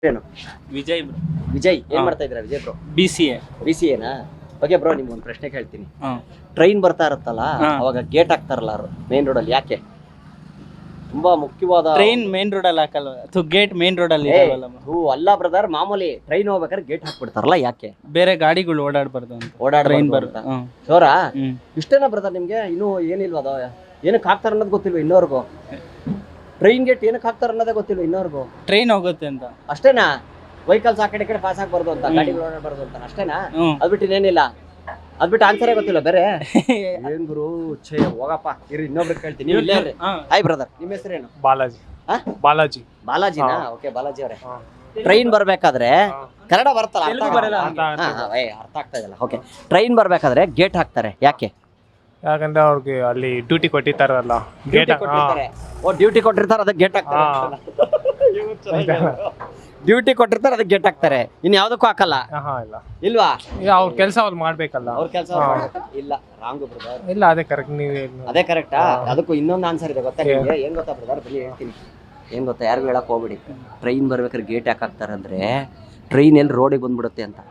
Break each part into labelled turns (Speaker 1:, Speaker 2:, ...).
Speaker 1: ಏನು
Speaker 2: ವಿಜಯ್
Speaker 1: ವಿಜಯ್ ಏನ್ ಮಾಡ್ತಾ ಇದ್ದೀರಾ Vijay bro?
Speaker 2: BCA.
Speaker 1: BCA okay bro, ನಿಮ್ಗೆ ಒಂದು ಪ್ರಶ್ನೆ ಕೇಳ್ತೀನಿ. ಟ್ರೈನ್ ಬರ್ತಾ ಇರುತ್ತಲ್ಲ, ಅವಾಗ ಗೇಟ್ ಹಾಕ್ತಾರಲ್ಲ ಮೇನ್ ರೋಡ್ ಅಲ್ಲಿ, ಯಾಕೆ? ತುಂಬಾ ಮುಖ್ಯವಾದ.
Speaker 2: ಟ್ರೈನ್ ಮೇನ್ ರೋಡ್ ಅಲ್ಲಿ ಹಾಕಲ್ವ? ಗೇಟ್ ಮೇನ್ ರೋಡ್ ಅಲ್ಲಿ
Speaker 1: ಅಲ್ಲ ಬ್ರದರ್, ಮಾಮೂಲಿ ಟ್ರೈನ್ ಹೋಗ್ಬೇಕಾದ್ರೆ ಗೇಟ್ ಹಾಕ್ಬಿಡ್ತಾರಲ್ಲ, ಯಾಕೆ?
Speaker 2: ಬೇರೆ ಗಾಡಿಗಳು ಓಡಾಡ್ಬಾರ್ದು ಅಂತ.
Speaker 1: ಟ್ರೈನ್ ಬರುತ್ತೆ ಶೋರಾ? ಇಷ್ಟೇನಾ ಬ್ರದರ್ ನಿಮ್ಗೆ? ಇನ್ನೂ ಏನಿಲ್ವ ಅದು? ಏನಕ್ಕೆ ಹಾಕ್ತಾರ ಅನ್ನೋದು ಗೊತ್ತಿಲ್ವ ಇನ್ನೋರ್ಗು? ಟ್ರೈನ್ ಗೇಟ್ ಏನಕ್ಕೆ ಹಾಕ್ತಾರ ಅನ್ನೋದೇ ಗೊತ್ತಿಲ್ವ ಇನ್ನೋರ್ಗು?
Speaker 2: ಟ್ರೈನ್ ಹೋಗುತ್ತೆ ಅಂತ
Speaker 1: ಅಷ್ಟೇನಾ? ವೆಹಿಕಲ್ಸ್ ಆ ಕಡೆ ಪಾಸ್ ಆಗ್ಬಾರ್ದು ಅಂತ, ಗಾಡಿಗಳು ಓಡಾಡಬಾರ್ದು ಅಂತ ಅಷ್ಟೇನಾ? ಅದ್ಬಿಟ್ಟು ಇನ್ನೇನಿಲ್ಲ? ಅದ್ಬಿಟ್ಟು ಆನ್ಸರೇ ಗೊತ್ತಿಲ್ಲ ಬೇರೆ? ಏನ್ ಗುರು, ಛೇ ಹೋಗಪ್ಪ, ಇರಿ ಇನ್ನೊಬ್ರಿಗೆ ಕೇಳ್ತೀನಿ. ನೀವು ಇಲ್ಲೇ ಇರ್ರಿ. ಹಾಯ್ ಬ್ರದರ್, ನಿಮ್ಮ ಹೆಸರೇನು?
Speaker 3: ಬಾಲಾಜಿ. ಬಾಲಾಜಿ.
Speaker 1: ಬಾಲಾಜಿನಾ? ಓಕೆ ಬಾಲಾಜಿ ಅವರೇ, ಟ್ರೈನ್ ಬರ್ಬೇಕಾದ್ರೆ ಕನ್ನಡ ಬರ್ತಲ್ಲ, ಅರ್ಥ ಆಗ್ತಾ ಇದಲ್ಲ. ಓಕೆ, ಟ್ರೈನ್ ಬರ್ಬೇಕಾದ್ರೆ ಗೇಟ್ ಹಾಕ್ತಾರೆ, ಯಾಕೆ?
Speaker 3: ಯಾಕಂದ್ರೆ ಅವ್ರಿಗೆ ಅಲ್ಲಿ ಡ್ಯೂಟಿ ಕೊಟ್ಟಿರ್ತಾರಲ್ಲ, ಗೇಟ್
Speaker 1: ಡ್ಯೂಟಿ ಕೊಟ್ಟಿರ್ತಾರೆ, ಅದಕ್ಕೆ ಗೇಟ್ ಹಾಕ್ತಾರೆ. ಡ್ಯೂಟಿ ಕೊಟ್ಟಿರ್ತಾರೆ, ಅದಕ್ಕೆ ಗೇಟ್ ಹಾಕ್ತಾರೆ. ಇನ್ ಯಾವ್ದಕ್ಕೂ ಹಾಕಲ್ಲ
Speaker 3: ಇಲ್ಲ
Speaker 1: ಇಲ್ವಾ?
Speaker 3: ಅವ್ರ ಕೆಲಸ ಅವ್ರು ಮಾಡ್ಬೇಕಲ್ಲ.
Speaker 1: ಅವ್ರ ಕೆಲಸ ಇಲ್ಲ, ರಾಂಗ್ ಬ್ರದರ್.
Speaker 3: ಇಲ್ಲ, ಅದೇ ಕರೆಕ್ಟ್. ನೀವೇ
Speaker 1: ಅದೇ ಕರೆಕ್ಟಾ? ಅದಕ್ಕೂ ಇನ್ನೊಂದು ಆನ್ಸರ್ ಇದೆ ಗೊತ್ತಾ ನಿಮಗೆ? ಏನ್ ಗೊತ್ತಾ ಬ್ರದರ್, ಬನ್ನಿ ಹೇಳ್ತೀನಿ. ಏನ್ ಗೊತ್ತಾ, ಯಾರಿಗೂ ಹೇಳಕ್ ಹೋಗ್ಬಿಡಿ. ಟ್ರೈನ್ ಬರ್ಬೇಕಾದ್ರೆ ಗೇಟ್ ಯಾಕೆ ಹಾಕ್ತಾರೆ ಅಂದ್ರೆ, ಟ್ರೈನ್ ಎಲ್ಲಿ ರೋಡಿಗೆ ಬಂದ್ಬಿಡುತ್ತೆ ಅಂತ.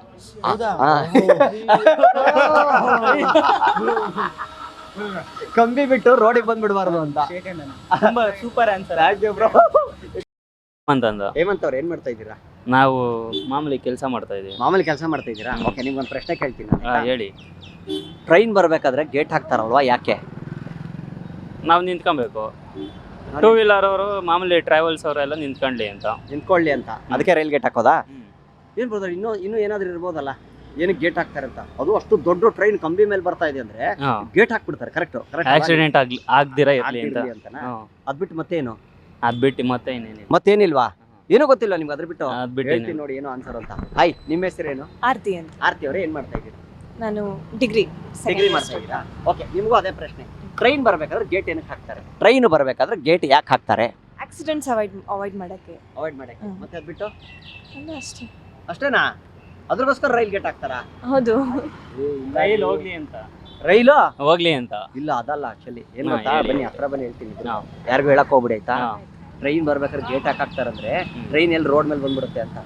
Speaker 1: ಕಂಬಿ ಬಿಟ್ಟು ರೋಡಿಗೆ ಬಂದ್ಬಿಡ್ಬಾರ್ದು ಅಂತ.
Speaker 2: ತುಂಬಾ ಸೂಪರ್ ಆನ್ಸರ್. ಅಂತಂದ
Speaker 1: ಹೇಮಂತ್ ಅವ್ರು ಏನ್ ಮಾಡ್ತಾ ಇದ್ದೀರಾ?
Speaker 2: ನಾವು ಮಾಮೂಲಿ ಕೆಲಸ ಮಾಡ್ತಾ ಇದೀವಿ.
Speaker 1: ಮಾಮೂಲಿ ಕೆಲಸ ಮಾಡ್ತಾ ಇದ್ದೀರಾ? ಓಕೆ, ನಿಮ್ಗೊಂದು ಪ್ರಶ್ನೆ ಕೇಳ್ತೀನಿ.
Speaker 2: ಹೇಳಿ.
Speaker 1: ಟ್ರೈನ್ ಬರ್ಬೇಕಾದ್ರೆ ಗೇಟ್ ಹಾಕ್ತಾರಲ್ವಾ, ಯಾಕೆ?
Speaker 2: ನಾವು ನಿಂತ್ಕೊಬೇಕು. ಟೂ ವೀಲರ್ ಅವರು ಮಾಮೂಲಿ ಟ್ರಾವೆಲ್ಸ್ ಅವರೆಲ್ಲ ನಿಂತ್ಕೊಂಡ್ಲಿ ಅಂತ.
Speaker 1: ನಿಂತ್ಕೊಳ್ಳಿ ಅಂತ, ಅದಕ್ಕೆ ರೈಲ್ ಗೇಟ್ ಹಾಕೋದಾ? ಏನ್ ಬ್ರದರ್, ಇನ್ನೂ ಏನಾದ್ರೂ ಇರ್ಬೋದಲ್ಲ, ಏನಕ್ಕೆ ಗೇಟ್ ಹಾಕ್ತಾರೆ ಅಂತ? ಅದು ಅಷ್ಟು ದೊಡ್ಡ ಟ್ರೈನ್ ಕಂಬಿ ಮೇಲೆ ಬರ್ತಾ ಇದೆ ಅಂದ್ರೆ ಗೇಟ್ ಹಾಕ್ಬಿಡ್ತಾರೆ. ಕರೆಕ್ಟ್
Speaker 2: ಆಕ್ಸಿಡೆಂಟ್ ಆಗ್ದಿರಾ ಇರ್ಲಿ ಅಂತ.
Speaker 1: ಅದ್ಬಿಟ್ಟು ಮತ್ತೇನು?
Speaker 2: ಅದ್ಬಿಟ್ಟು ಮತ್ತೆ ಇನ್ನೇನಿಲ್ಲ.
Speaker 1: ಮತ್ತೇನಿಲ್ವಾ? ಏನೋ ಗೊತ್ತಿಲ್ಲ ನಿಮ್ಗೆ? ಅದ್ರ ಬಿಟ್ಟು
Speaker 2: ಅದ್ಬಿಟ್ಟು
Speaker 1: ಹೇಳ್ತೀನಿ ನೋಡಿ ಏನೋ ಆನ್ಸರ್ ಅಂತ. ಹಾಯ್, ನಿಮ್ಮ ಹೆಸರೇನು?
Speaker 4: ಆರ್ತಿ ಅಂತ.
Speaker 1: ಆರ್ತಿ ಅವರೇ, ಏನ್ ಮಾಡ್ತಾ ಇದ್ದೀರಾ?
Speaker 4: ನಾನು ಡಿಗ್ರಿ
Speaker 1: ಮಾಡ್ತಾ ಇದ್ದೀರಾ? ಓಕೆ, ನಿಮಗೂ ಅದೇ ಪ್ರಶ್ನೆ. ಟ್ರೈನ್ ಬರ್ಬೇಕಾದ್ರೆ ಗೇಟ್ ಏನಕ್ಕೆ ಹಾಕ್ತಾರೆ? ಟ್ರೈನ್ ಬರ್ಬೇಕಾದ್ರೆ ಗೇಟ್ ಯಾಕೆ ಹಾಕ್ತಾರೆ?
Speaker 4: ಆಕ್ಸಿಡೆಂಟ್ಸ್ ಅವಾಯ್ಡ್ ಮಾಡಕ್ಕೆ.
Speaker 1: ಮತ್ತೆ ಅದ್ಬಿಟ್ಟು
Speaker 4: ಅಷ್ಟೇ.
Speaker 1: ಅಷ್ಟೇನಾ? ಅದ್ರಗೋಸ್ಕರ ರೈಲ್ ಗೇಟ್ ಹಾಕ್ತಾರಾ?
Speaker 4: ಹೌದು.
Speaker 2: ರೈಲ್ ಹೋಗ್ಲಿ ಅಂತ.
Speaker 1: ರೈಲು
Speaker 2: ಹೋಗ್ಲಿ ಅಂತ.
Speaker 1: ಇಲ್ಲ, ಅದಲ್ಲ ಆಕ್ಚುಲಿ. ಏನ್ ಗೊತ್ತಾ, ಬನ್ನಿ ಹತ್ರ ಬನ್ನಿ ಹೇಳ್ತೀನಿ. ಯಾರಿಗೂ ಹೇಳಕ್ ಹೋಗ್ಬಿಡಿ ಆಯ್ತಾ? ಟ್ರೈನ್ ಬರ್ಬೇಕಾದ್ರೆ ಗೇಟ್ ಯಾಕೆ ಹಾಕ್ತಾರಂದ್ರೆ, ಟ್ರೈನ್ ಎಲ್ಲಿ ರೋಡ್ ಮೇಲೆ ಬಂದ್ಬಿಡುತ್ತೆ ಅಂತ.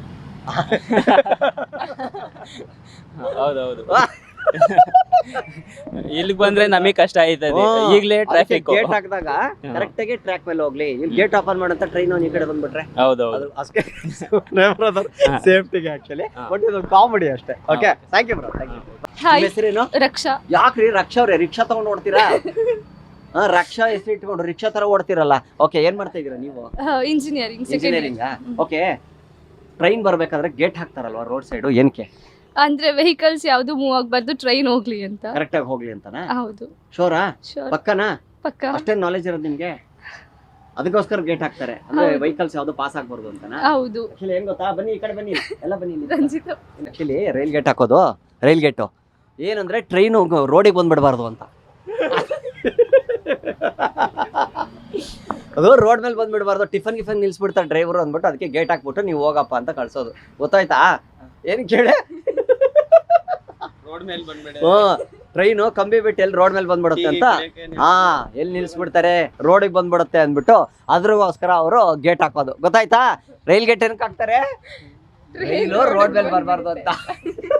Speaker 2: ಹೌದೌದು. ಇಲ್ಲಿಗೆ ಬಂದ್ರೆ ನಮಗೆ ಕಷ್ಟ ಆಯ್ತದೆ. ಈಗಲೇ ಟ್ರಾಫಿಕ್.
Speaker 1: ಗೇಟ್ ಹಾಕಿದಾಗ ಕರೆಕ್ಟ್ ಆಗಿ ಟ್ರ್ಯಾಕ್ ಮೇಲೆ ಹೋಗ್ಲಿ. ಇಲ್ಲಿ ಗೇಟ್ ಓಪನ್ ಮಾಡಂತ ಟ್ರೈನ್ ಈ ಕಡೆ ಬಂದ್ಬಿಟ್ರೆ
Speaker 2: ಹೌದೌದು
Speaker 1: ಅಷ್ಟೇ ಸೇಫ್ಟಿಗೆ ಆಕ್ಚುಲಿ. ಬಟ್ ಇದು ಕಾಮಿಡಿ ಅಷ್ಟೇ. Okay, thank you bro, thank you. ಹೆಸರೇನು?
Speaker 4: ರಕ್ಷಾ.
Speaker 1: ಯಾಕ್ರಿ ರಕ್ಷಾ ಅವ್ರೆ, ರಿಕ್ಷಾ ತಗೊಂಡು ಓಡ್ತೀರಾ? ರಕ್ಷಾ ಹೆಸರು ಇಟ್ಕೊಂಡು ರಿಕ್ಷಾ ತರ ಓಡ್ತಿರಲ್ಲ. ಓಕೆ, ಏನ್ ಮಾಡ್ತಾ ಇದೀರಾ ನೀವು? ಇಂಜಿನಿಯರಿಂಗ್. ಓಕೆ, ಟ್ರೈನ್ ಬರ್ಬೇಕಾದ್ರೆ ಗೇಟ್ ಹಾಕ್ತಾರಲ್ವಾ ರೋಡ್ ಸೈಡ್, ಏನಕ್ಕೆ?
Speaker 5: ಅಂದ್ರೆ ವೆಹಿಕಲ್ಸ್ ಯಾವ್ದು ಮೂವ್ ಆಗ್ಬಾರ್ದು, ಟ್ರೈನ್ ಹೋಗ್ಲಿ ಅಂತ.
Speaker 1: ಕರೆಕ್ಟ್ ಆಗಿ ಹೋಗ್ಲಿ ಅಂತನಾ?
Speaker 5: ಹೌದು.
Speaker 1: ಶೋರಾ? ಪಕ್ಕನಾ?
Speaker 5: ಪಕ್ಕ.
Speaker 1: ಅಷ್ಟೇ ನಾಲೆಜ್ ಇರೋದು ನಿಮ್ಗೆ? ಅದಕ್ಕೋಸ್ಕರ ಗೇಟ್ ಹಾಕ್ತಾರೆ ಅಂದ್ರೆ ವೆಹಿಕಲ್ಸ್ ಯಾವ್ದು ಪಾಸ್ ಆಗ್ಬಾರ್ದು ಅಂತನಾ?
Speaker 5: ಹೌದು.
Speaker 1: ಆಕ್ಚುಲಿ ಏನ್ ಗೊತ್ತಾ, ಬನ್ನಿ ಈ ಕಡೆ ಬನ್ನಿ, ಎಲ್ಲ ಬನ್ನಿ.
Speaker 5: ರಂಜಿತಾ,
Speaker 1: ಆಕ್ಚುಲಿ ರೈಲ್ ಗೇಟ್ ಹಾಕೋದು, ರೈಲ್ ಗೇಟು ಏನಂದ್ರೆ ಟ್ರೈನ್ ರೋಡಿಗೆ ಬಂದ್ಬಿಡಬಾರ್ದು ಅಂತ. ಅದು ರೋಡ್ ಮೇಲೆ ಬಂದ್ಬಿಡಬಾರ್ದು, ಟಿಫನ್ ನಿಲ್ಸ್ಬಿಡ್ತಾರೆ ಡ್ರೈವರ್ ಅಂದ್ಬಿಟ್ಟು, ಅದಕ್ಕೆ ಗೇಟ್ ಹಾಕ್ಬಿಟ್ಟು ನೀವು ಹೋಗಪ್ಪ ಅಂತ ಕಳ್ಸೋದು. ಗೊತ್ತಾಯ್ತಾ? ಏನ್ ಕೇಳಿ?
Speaker 2: ರೋಡ್ ಮೇಲೆ ಬಂದ್ಬಿಡ.
Speaker 1: ಟ್ರೈನು ಕಂಬಿ ಬಿಟ್ಟು ಎಲ್ಲಿ ರೋಡ್ ಮೇಲೆ ಬಂದ್ಬಿಡುತ್ತೆ ಅಂತ. ಎಲ್ಲಿ ನಿಲ್ಸ್ಬಿಡ್ತಾರೆ, ರೋಡಿಗೆ ಬಂದ್ಬಿಡುತ್ತೆ ಅಂದ್ಬಿಟ್ಟು ಅದ್ರಗೋಸ್ಕರ ಅವರು ಗೇಟ್ ಹಾಕೋದು. ಗೊತ್ತಾಯ್ತಾ? ರೈಲ್ ಗೇಟ್ ಏನಕ್ಕೆ ಹಾಕ್ತಾರೆ? ರೈಲು ರೋಡ್ ಮೇಲೆ ಬರಬಾರ್ದು ಅಂತ.